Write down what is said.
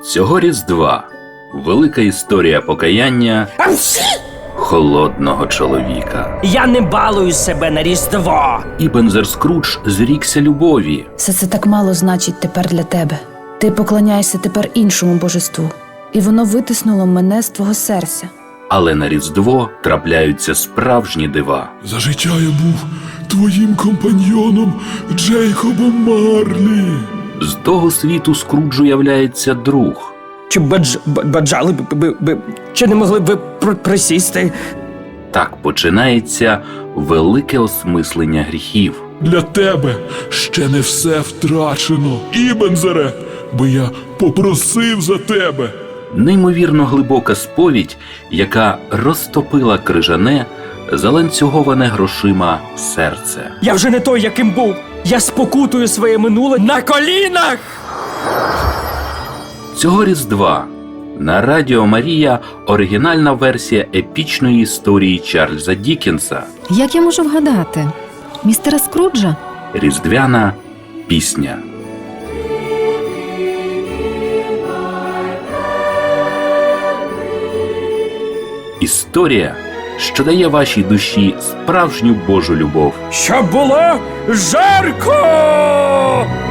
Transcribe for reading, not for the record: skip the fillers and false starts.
Цього Різдва велика історія покаяння холодного чоловіка. Я не балую себе на Різдво. Ібензер Скрудж зрікся любові. Все це так мало значить тепер для тебе. Ти поклоняєшся тепер іншому божеству, і воно витиснуло мене з твого серця. Але на Різдво трапляються справжні дива. За життя я був твоїм компаньйоном Джейкобом Марлі. З того світу Скруджу являється друг. Чи баджали б, чи не могли б ви присісти? Так починається велике осмислення гріхів. Для тебе ще не все втрачено, Ібензере, бо я попросив за тебе. Неймовірно глибока сповідь, яка розтопила крижане, заланцюговане грошима серце. Я вже не той, яким був. Я спокутую своє минуле на колінах! Цього Різдва на Радіо Марія оригінальна версія епічної історії Чарльза Діккенса Як я можу вгадати? Містера Скруджа? «Різдвяна пісня». Історія, що дає вашій душі справжню Божу любов. Щоб було жарко!